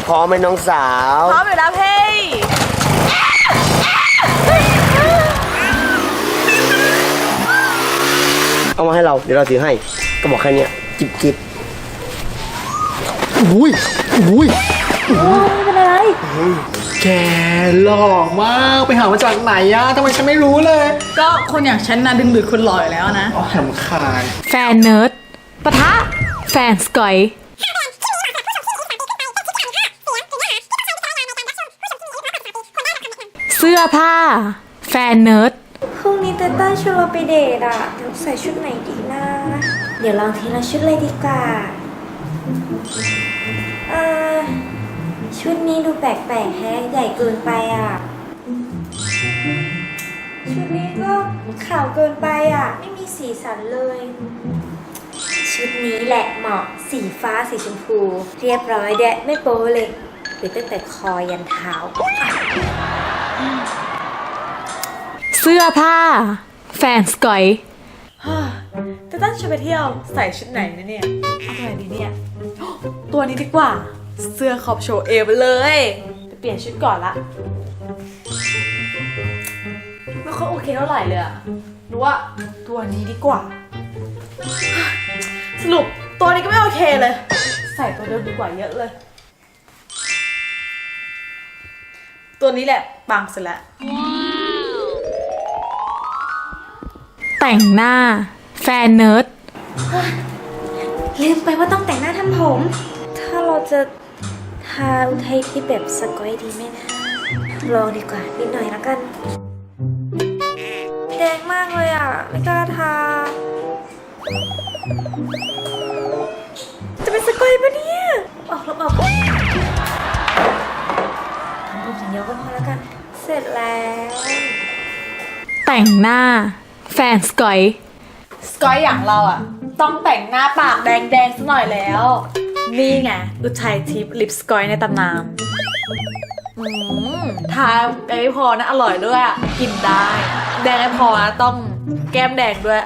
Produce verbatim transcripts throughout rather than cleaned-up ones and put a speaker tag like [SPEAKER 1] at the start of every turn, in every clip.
[SPEAKER 1] พร้อมไหมน้องสาว
[SPEAKER 2] พร้อมอยู่แล้วเพ่
[SPEAKER 1] เอามาให้เราเดี๋ยวเราถือให้ก็บอกแค่นี้จิบจิบอุ้ยอุ้ย
[SPEAKER 2] ไม่เป็นอะไร
[SPEAKER 3] แกหล่อมากไปหามาจากไหนอะทำไมฉันไม่รู้เลย
[SPEAKER 2] ก็คนอย่างฉันนะดึงดูดคนหล่ออยู่แล้วนะ
[SPEAKER 3] อ๋อแหมคาย
[SPEAKER 4] แฟนเนิร์ดปะทะแฟนสกอยเสื้อผ้าแฟนเนิร์ด
[SPEAKER 5] พรุ่งนี้เต้ต้าชวนเราไปเดทอ่ะเดี๋ยวใส่ชุดไหนดีนะเดี๋ยวลองทีละชุดเลยดีกว่าเออชุดนี้ดูแปลกๆแฮะใหญ่เกินไปอ่ะชุดนี้ก็ขาวเกินไปอ่ะไม่มีสีสันเลยชุดนี้แหละเหมาะสีฟ้าสีชมพูเรียบร้อยแดะไม่โป๊เลยหรือตั้งแต่คอยันเท้า
[SPEAKER 4] เสื้อผ้าแฟนสกอย
[SPEAKER 2] เต้ต้าชวนไปเที่ยวใส่ชุดไหนนะเนี่ยเอาตัวไหนดีเนี่ยตัวนี้ดีกว่าเสื้อขอบโชว์เอวไปเลยไปเปลี่ยนชุดก่อนละไม่ค่อยโอเคเท่าไหร่เลยอะรู้ว่าตัวนี้ดีกว่าสรุปตัวนี้ก็ไม่โอเคเลยใส่ตัวเดิมดีกว่าเยอะเลยตัวนี้แหละปังสุดละ
[SPEAKER 4] แต่งหน้าแฟนเนิร์ด
[SPEAKER 5] ลืมไปว่าต้องแต่งหน้าทำผมถ้าเราจะทาอุทัยที่แบบสกอยดีไหมนะลองดีกว่านิดหน่อยแล้วกันแดงมากเลยอ่ะไม่กล้าทาจะเป็นสกอยปะเนี่ยออกลบออกทำผมอย่างเดียวก็พอแล้วกันเสร็จแล้ว
[SPEAKER 4] แต่งหน้าแฟนสกอย
[SPEAKER 2] สกอยอย่างเราอ่ะต้องแต่งหน้าปากแดงๆสักหน่อยแล้วนี่ไงอุทัยทิพย์ลิปสกอยในตำนานอืมทาแดงไม่พอนะอร่อยด้วยกินได้แดงไม่พอนะต้องแก้มแดงด้วย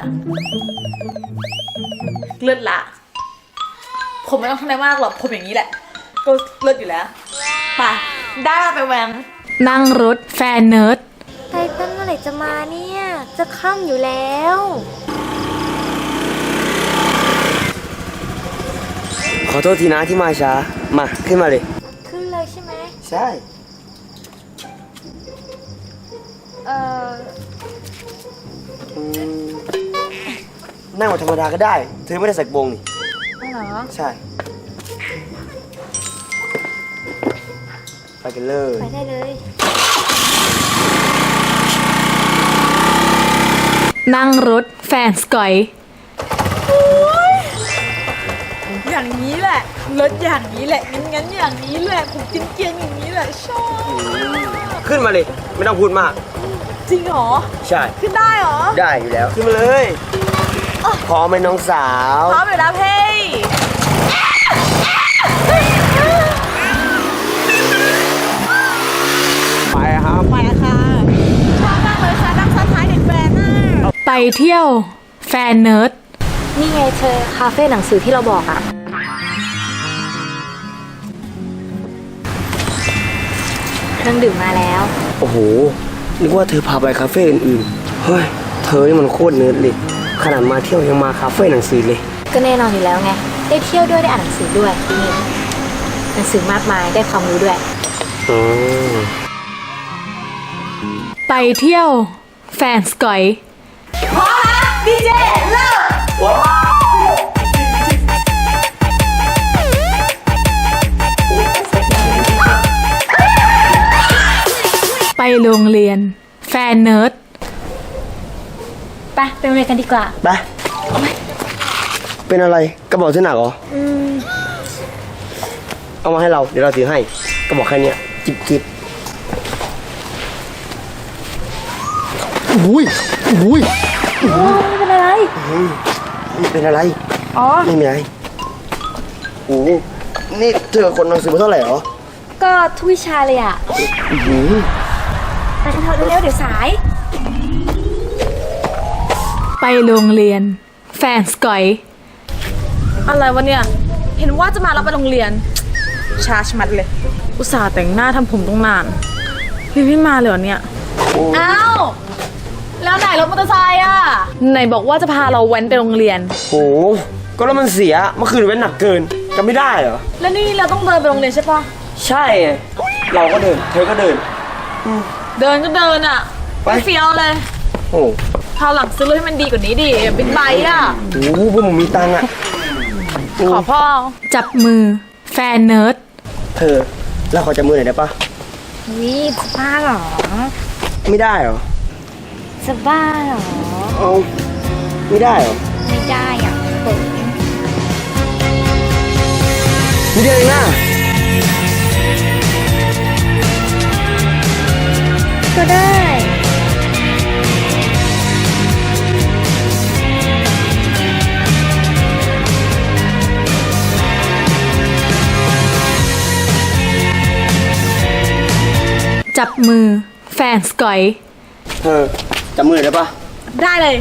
[SPEAKER 2] เลิศละผมไม่ต้องทำอะไรมากหรอกผมอย่างนี้แหละก็เลิศอยู่แล้วไปได้มาไปแหวง
[SPEAKER 4] นั่งรถแฟนเนิร์ด
[SPEAKER 5] ไททันเมื่อไหร่จะมาเนี่ยจะค่ำอยู่แล้ว
[SPEAKER 1] ขอโทษทีนะที่มาช้ามาขึ้นมาเลย
[SPEAKER 5] ขึ้นเลยใช่ไหม
[SPEAKER 1] ใช่
[SPEAKER 5] เออ
[SPEAKER 1] นั่งแบบธรรมดาก็ได้เธอไม่ได้ใส่กระโปรงนี่
[SPEAKER 5] ไม่หรอ
[SPEAKER 1] ใช่ไปกันเลย
[SPEAKER 5] ไปได้เลย
[SPEAKER 4] นั่งรถแฟนสกอย
[SPEAKER 2] อย่างนี้แหละรถอย่างนี้แหละงั้นงั้นอย่างนี้แหละผมกินเกียงอย่างนี้แหละชอบ
[SPEAKER 1] ขึ้นมาเลยไม่ต้องพูดมาก
[SPEAKER 2] จริงเหรอ
[SPEAKER 1] ใช่
[SPEAKER 2] ขึ้นได้เหรอ
[SPEAKER 1] ได้อยู่แล้วขึ้นมาเลยพร้อมไหมน้องสาว
[SPEAKER 2] พร้อมอยู่แล้วเพ่
[SPEAKER 1] ไปครับ
[SPEAKER 2] ไปค่ะชอบมากเลยค่ะนั่งซ้อนท้ายเด็กแฟนน่ะ
[SPEAKER 4] ไปเที่ยวแฟนเนิร์ด
[SPEAKER 5] นี่ไงเธอคาเฟ่หนังสือที่เราบอกอะเครื่องดื่มมาแล้ว
[SPEAKER 1] โอ้โหนึกว่าเธอพาไปคาเฟ่อื่นๆเฮ้ยเธอนี่มันโคตรเนิร์ดเลยขนาดมาเที่ยวยังมาคาเฟ่หนังสือเลย
[SPEAKER 5] ก็แน่นอนอยู่แล้วไงได้เที่ยวด้วยได้อ่านหนังสือด้วยนี่หนังสือมากมายได้ความรู้ด้วย
[SPEAKER 1] อ๋อ
[SPEAKER 4] ไปเที่ยวแฟนสกอย
[SPEAKER 2] พอละดีเจเลิก
[SPEAKER 4] ไปโรงเรียนแฟนเนิร์ด
[SPEAKER 5] ไปไปโรงเรียนกันดีกว่า
[SPEAKER 1] ไปเป็นอะไรกระบอกที่หนักเหรออืมเอามาให้เราเดี๋ยวเราถือให้กระบอกแค่นี้จิบจิบอุ้ยอุ้ย
[SPEAKER 5] ไม่เป็นอะไร
[SPEAKER 1] ไม่เป็นอะไร
[SPEAKER 5] อ๋อ
[SPEAKER 1] ไม่มีอะไรโอ้นี่เธอคนหนังสือมาเท่าไหร่เหรอ
[SPEAKER 5] ก็ทุกวิชาเลยอ่ะไปกันเถอะเร็วๆเดี๋ยวสาย
[SPEAKER 4] ไปโรงเรียนแฟนสกอย
[SPEAKER 2] อะไรวะเนี่ยเห็นว่าจะมาเราไปโรงเรียนช้าชะมัดเลย อุตส่าห์แต่งหน้าทำผมต้องนานยังไม่มาเลยเหรอเนี่ย อ้าว แล้วไหนรถมอเตอร์ไซค์อ่ะ ไหนบอกว่าจะพาเราแว้นไปโรงเรียน
[SPEAKER 1] โหก็แล้วมันเสียเมื่อคืนเว้นหนักเกินจำไม่ได้เหรอ
[SPEAKER 2] แล้วนี่เราต้องเดินไปโรงเรียนใช่ปะ
[SPEAKER 1] ใช่ไงเราก็เดินเธอก็เดิน
[SPEAKER 2] เดินก็เดินอ่ะ
[SPEAKER 1] ไป
[SPEAKER 2] ไม่เฟี้ยวเลย
[SPEAKER 1] โอ้
[SPEAKER 2] คราวหลังซื้อรถให้มันดีกว่านี้ดิบิ๊กไบค์อ่ะ
[SPEAKER 1] โหพวกมึงมีตังค์อ่ะ
[SPEAKER 2] ขอพ่อ
[SPEAKER 4] จับมือ แฟนเนิร์ด
[SPEAKER 1] เธอแล้วขอจับมือหน่อยได้ปะ
[SPEAKER 5] วิจะบ้าเหรอ
[SPEAKER 1] ไม่ได้เหรอ
[SPEAKER 5] จะบ้าเหรอ
[SPEAKER 1] เอาไม่ได้เหรอ
[SPEAKER 5] ไม่ได้อ่ะเปิด
[SPEAKER 1] ไม่ได้เลยนะ
[SPEAKER 5] ก็ได้
[SPEAKER 4] จับมือ แฟนสกอย
[SPEAKER 1] เธอจับมือหน่อยได้ปะ
[SPEAKER 2] ได้เลย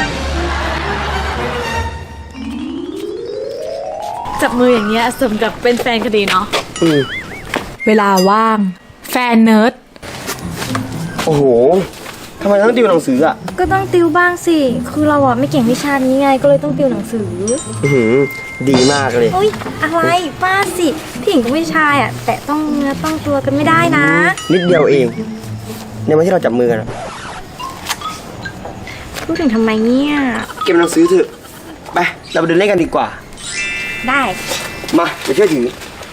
[SPEAKER 2] จับมืออย่างเงี้ยสมกับเป็นแฟนกันดีเนาะ
[SPEAKER 1] อืม
[SPEAKER 4] เวลาว่าง แฟนเนิร์ด
[SPEAKER 1] โอ้โหทำไมต้องติวหนังสืออ่ะ
[SPEAKER 5] ก็ต้องติวบ้างสิ คือเราอ่ะไม่เก่งวิชานี้ไง ก็เลยต้องติวหนังสือ
[SPEAKER 1] อื้อหือดีมากเลย
[SPEAKER 5] เฮ้ย อะไรป้าสิพี่หญิงกับผู้ชายอ่ะ แต่ต้องเนื้อต้องตัวกันไม่ได้นะ
[SPEAKER 1] นิดเดียวเองในวันที่เราจับมือกันอะ
[SPEAKER 5] พูดถึงทำไมเนี่ย
[SPEAKER 1] เก็บหนังสือเถอะไปเราไปเดินเล่นกันดีกว่า
[SPEAKER 5] ได้
[SPEAKER 1] มาเดี๋ยวช่วยถือ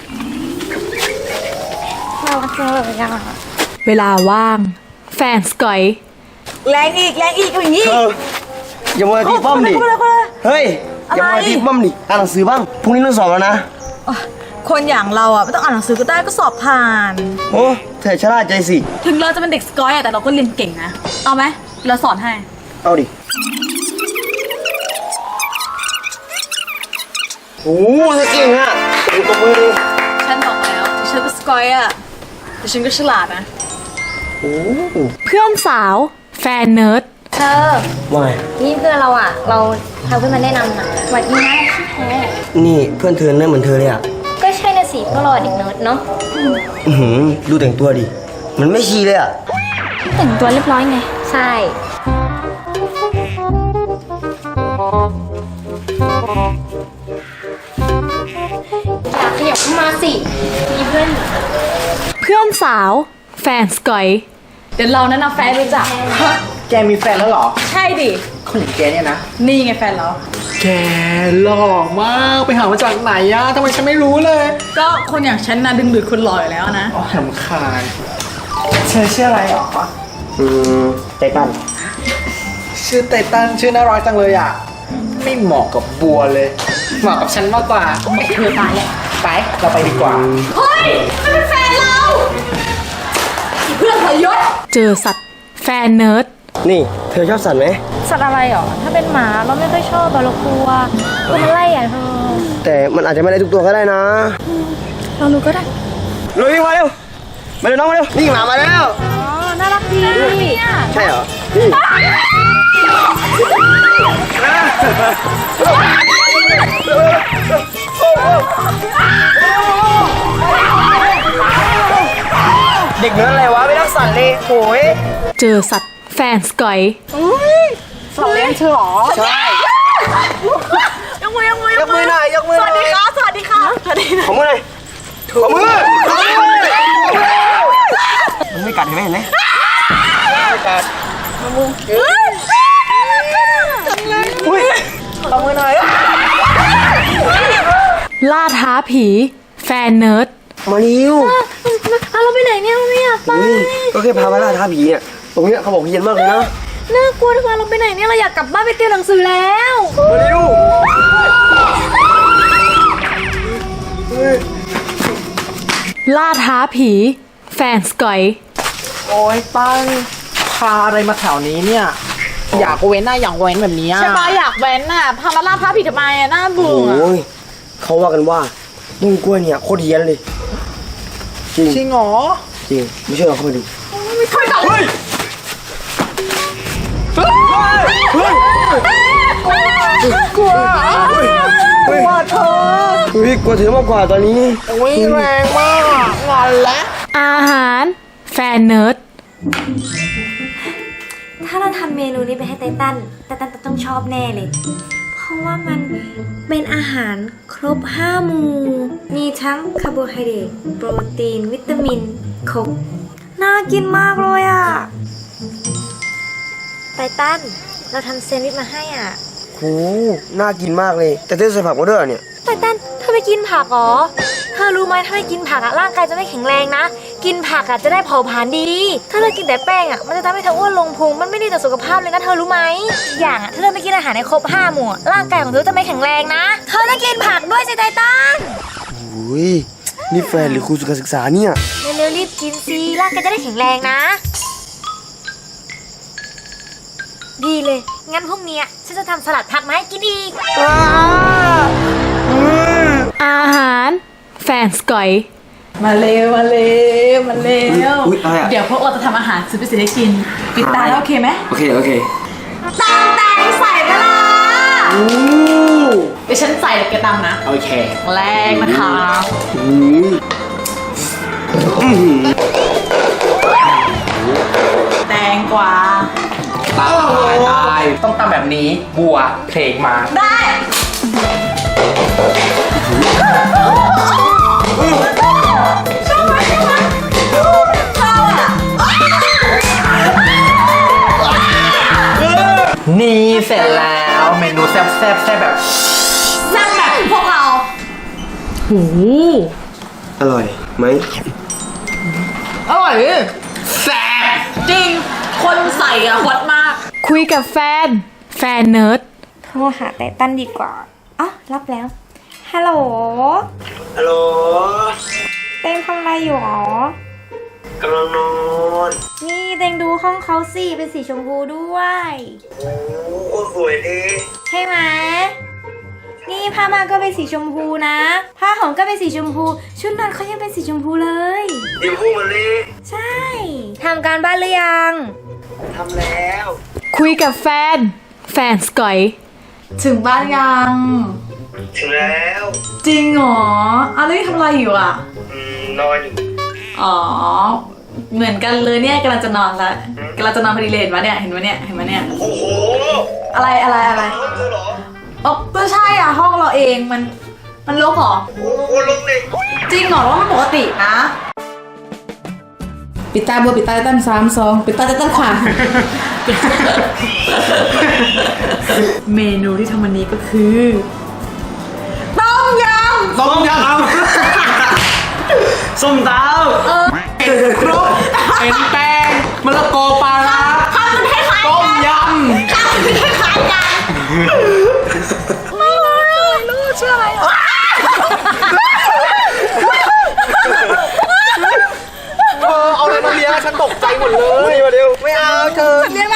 [SPEAKER 5] เราเจอแบบยัง
[SPEAKER 4] เวลาว่าง แฟนสกอย
[SPEAKER 2] แรงอีกแรงอีกอย่างนี้
[SPEAKER 1] เธออย่ามัวแต่ตีป้อมดิเฮ้ยอย่ามัวแต่ตีป้อมดิอ่านหนังสือบ้างพรุ่งนี้ต้องสอบแล้วนะ
[SPEAKER 2] คนอย่างเราอ่ะไม่ต้องอ่านหนังสือก็ได้ก็สอบผ่าน
[SPEAKER 1] โอ้เธอชราใจสิ
[SPEAKER 2] ถึงเราจะเป็นเด็กสกอยอ่ะแต่เราก็เรียนเก่งนะ เอาไหมเราสอนให้
[SPEAKER 1] เอาดิโอ้เธอเก่งอ่ะโอ้ตบมือดิ
[SPEAKER 2] ฉันบอกแล้วถึงฉันเป็นสกอยอ่ะแต่ฉันก็ฉลาดนะ
[SPEAKER 1] โอ้
[SPEAKER 4] เพื่อนสาว แฟนเนิร์ด
[SPEAKER 5] เธอ
[SPEAKER 1] ว่าไง
[SPEAKER 5] นี่เพื่อนเราอ่ะ เราทำเพื่อนมาแนะนำนะสวัสดีนะชื่อแท้
[SPEAKER 1] นี่เพื่อนเธอเนี่ยเหมือนเธอเลยอ่ะ
[SPEAKER 5] ก็ใช่นะสิเพราะเราเด็กเนิร์ดเนาะ
[SPEAKER 1] อือหือดูแต่งตัวดิมันไม่ชีเลยอ่ะ
[SPEAKER 5] แต่งตัวเรียบร้อยไง ใช่อยากขยับเข้ามาสิ มีเพื่อน
[SPEAKER 4] เพื่อนสาว แฟนสกอย
[SPEAKER 2] เดี๋ยวเราแนะนำแฟนรู้จัก
[SPEAKER 3] แกมีแฟนแล้วเหรอ
[SPEAKER 2] ใช่ดิ
[SPEAKER 3] คนอย่างแกเนี่ยนะ
[SPEAKER 2] นี่ไงแฟนเรา
[SPEAKER 3] แกหล่อมากไปหามาจากไหนอะทำไมฉันไม่รู้เลย
[SPEAKER 2] ก็คนอย่างฉันนะดึงดูดคนหล่ออยู่แล้วนะ
[SPEAKER 3] อ๋อรำคาญเธอชื่ออะไรหรอ
[SPEAKER 1] อืมใจตัน
[SPEAKER 3] ชื่อไตตันชื่อน่ารักจังเลยอ่ะ ไม่เหมาะกับบัวเลย เหมาะกับฉันมากกว่า
[SPEAKER 2] เธอตายแล้ว
[SPEAKER 3] ไปเราไปดีกว่า
[SPEAKER 2] เฮ้ยมันเป็นแฟนเราอีเพื่อนทรยศ
[SPEAKER 4] เจอสัตว์ แฟนเนิร์ด
[SPEAKER 1] นี่เธอชอบสัตว์ไหม
[SPEAKER 5] สัตว์อะไรหรอ ถ้าเป็นหมาเราไม่ค่อยชอบอะเรากลัวกลัวมันไล่อ่ะเธอ
[SPEAKER 1] แต่มันอาจจะไม่ได้ทุกตัวก็ได้นะ
[SPEAKER 5] เรารู้ก็ได้
[SPEAKER 1] ลุยมาเร็วมาเร็วน้องมาเร็วนี่หมามาแล้ว
[SPEAKER 5] อ๋อ น่ารักดี
[SPEAKER 1] ใช่เหรอนี่เด็กเนื้ออะไรวะไม่รักสัตว์เลยโหย
[SPEAKER 4] เจอสัตว์ แฟนสกอย
[SPEAKER 2] สัตว์เลี้ยงเธอหรอ
[SPEAKER 1] ใช่
[SPEAKER 2] ยกมือยกมือย
[SPEAKER 1] กมือหน่อยยกมือ
[SPEAKER 2] ส
[SPEAKER 1] หน่
[SPEAKER 2] วั
[SPEAKER 1] อ
[SPEAKER 2] ส
[SPEAKER 1] ย
[SPEAKER 2] ดีค่ะสวัสดีค่ะสวัสดีนะ
[SPEAKER 1] ขอมือหน่อยขอมือขอมือมันไม่กัดเห็นไหมเห็นไหมไม่กัดขอมืออุ้ยขอมือหน่อย
[SPEAKER 4] ล่าท้าผี แฟนเนิร์ด
[SPEAKER 1] มาเร็ว
[SPEAKER 5] อ่ะเราไปไหนเนี่ยไม่อยากไป
[SPEAKER 1] นี่ก็แค่พามาล่าท้าผีเนี่ยตรงเนี้ยเขาบอกเฮียนมากเลยนะ
[SPEAKER 5] น่ากลัวทุกวันเราไปไหนเนี่ยเราอยากกลับบ้านไปติวหนังสือแล้ว
[SPEAKER 1] มาเร็ว
[SPEAKER 4] ล่าท้าผี แฟนสกอย
[SPEAKER 3] โอ้ยตั้งพาอะไรมาแถวนี้เนี่ย อยากเว้นน่ะอยากเว้นแบบนี้อะ
[SPEAKER 2] ใช่ปะอยากแว้นน่ะพามาล่าพระผิดทำไมอ่ะน่า
[SPEAKER 1] โอ้
[SPEAKER 2] เบื่อ
[SPEAKER 1] ยเขาว่ากันว่าต้นกล้วยเนี่ยโคตรเฮี้ยนเลย จริง
[SPEAKER 3] จริงเหรอ
[SPEAKER 1] จริงไม่เชื่อเราเข้าไปดู
[SPEAKER 2] ไม่ค่อยแบบ
[SPEAKER 1] เฮ้ยเฮ้ย
[SPEAKER 3] กลัว
[SPEAKER 1] เฮ้ย
[SPEAKER 3] เธอ
[SPEAKER 1] เฮ้ยกลัวเธอมากกว่าตอนนี้
[SPEAKER 3] อุ้ยแรงมากอะงอนแล้ว
[SPEAKER 4] อาหารแฟนเนิร์ด
[SPEAKER 5] ถ้าเราทำเมนูนี้ไปให้ไตตันไตตันต้องชอบแน่เลย เพราะว่ามันเป็นอาหารครบห้าหมู่ มีทั้งคาร์โบไฮเดรต โปรตีน วิตามิน ครบ น่ากินมากเลยอ่ะ ไตตัน เราทำแซนด์วิชมาให้อ่ะ
[SPEAKER 1] โหน่ากินมากเลย แต่เธอใส่ผักมาด้วยเหรอเนี่ย
[SPEAKER 5] ไตตันเธอไม่กินผักเหรอ เธอรู้ไหมถ้าไม่กินผักอะร่างกายจะไม่แข็งแรงนะ กินผักอะจะได้เผาผลาญดี ถ้าเธอกินแต่แป้งอะมันจะทำให้เธออ้วนลงพุง มันไม่ดีต่อสุขภาพเลยนะเธอรู้ไหมอีกอย่างอะถ้าเธอไม่กินอาหารในครบห้าหมู่อะร่างกายของเธอจะไม่แข็งแรงนะ เธอต้องกินผักด้วยสิไตตัน
[SPEAKER 1] อุ้ยนี่แฟนหรือครูสุขศึกษาเนี่ย
[SPEAKER 5] เร็วๆรีบกินสิร่างกายจะได้แข็งแรงนะ ดีเลย งั้นพรุ่งนี้ฉันจะทำสลัดผักมาให้กินอีก
[SPEAKER 4] อาหารแฟนสกอย
[SPEAKER 2] มาเร็วมาเร็วมาเร็ว
[SPEAKER 1] อุ๊ยอะไรอะ
[SPEAKER 2] เดี๋ยวพวกเราจะทำอาหารซื้อไปสิได้กินปิดตาแล้วโอเคไหม
[SPEAKER 1] โอเคโอเค
[SPEAKER 2] ตำแตงใส่ไปละ
[SPEAKER 1] โอ้
[SPEAKER 2] เดี๋ยวฉันใส่เดี๋ยวแกตำนะ
[SPEAKER 3] โอเค
[SPEAKER 2] แรงนะคะ
[SPEAKER 1] โหอื้อหือ
[SPEAKER 2] แตงกวา
[SPEAKER 3] ตายตายต้องตำแบบนี้ บัวเพลงมา
[SPEAKER 2] ได้
[SPEAKER 3] นี่เสร็จแล้วเมนูแซ่บแซ่บแซ่บแบบ
[SPEAKER 2] แซ่บแบบพวกเราโอ้
[SPEAKER 1] อร่อยไหม
[SPEAKER 2] อร่อยดิแซ่บจริง คนใส่อะฮอตมาก
[SPEAKER 4] คุยกับแฟนแฟนเนิร์ด
[SPEAKER 5] โทรหาไตตันดีกว่าอ๋อรับแล้ว ฮัลโหล
[SPEAKER 1] ฮัลโหล
[SPEAKER 5] เต็งทำอะไรอยู่หรอ
[SPEAKER 1] กำลังนอน
[SPEAKER 5] นี่เต็งดูห้องเขาสิเป็นสีชมพูด้วย
[SPEAKER 1] โอ้โหสวยดี
[SPEAKER 5] ใช่ไหม นี่ผ้าม่านก็เป็นสีชมพูนะ ผ้าห่มก็เป็นสีชมพู ชุดนอนเขายังเป็นสีชมพูเลย
[SPEAKER 1] เดี๋ยวพูดมาเลย
[SPEAKER 5] ใช่ ทำการบ้านหรือยัง
[SPEAKER 1] ทำแล้ว
[SPEAKER 4] คุยกับแฟนแฟนสกอย
[SPEAKER 2] ถึงบ้านยัง
[SPEAKER 1] ถึงแล้ว
[SPEAKER 2] จริงเหรออะไรทำอะไรอยู่อ่ะ
[SPEAKER 1] อืมนอนอยู่
[SPEAKER 2] อ๋อ เหมือนกันเลยเนี่ยกำลังจะนอนละกำลังจะนอนพอดีเลยเห็นปะเนี่ยเห็นปะเนี่ยเห็นปะเนี่ย
[SPEAKER 1] โอ้โห
[SPEAKER 2] อะไรอะไรอะไร
[SPEAKER 1] ห้องเธอเหรอ
[SPEAKER 2] อ๋อก็ใช่อ่ะห้องเราเองมันมันรกเหรอ
[SPEAKER 1] โอ้โหลงเลย
[SPEAKER 2] จริงเหรอว่ามันปกตินะ
[SPEAKER 6] ปิดตาบัวปิดตาตั้นสามสองปิดตาตั้นขวา
[SPEAKER 2] เมนูที่ทำวันนี้ก็คือต้มยำ
[SPEAKER 3] ต้มยำ
[SPEAKER 1] ส้มตำ
[SPEAKER 3] ครบเป็นแป้งมะละกอปลาร้าต้มยำ
[SPEAKER 2] ลูกชื่ออะไรอ่ะ
[SPEAKER 3] เออเอาอะไรมาเลี้ยงฉันตกใจหมดเลยมาเร็วไม่เอาเธอ
[SPEAKER 2] เลี้ยง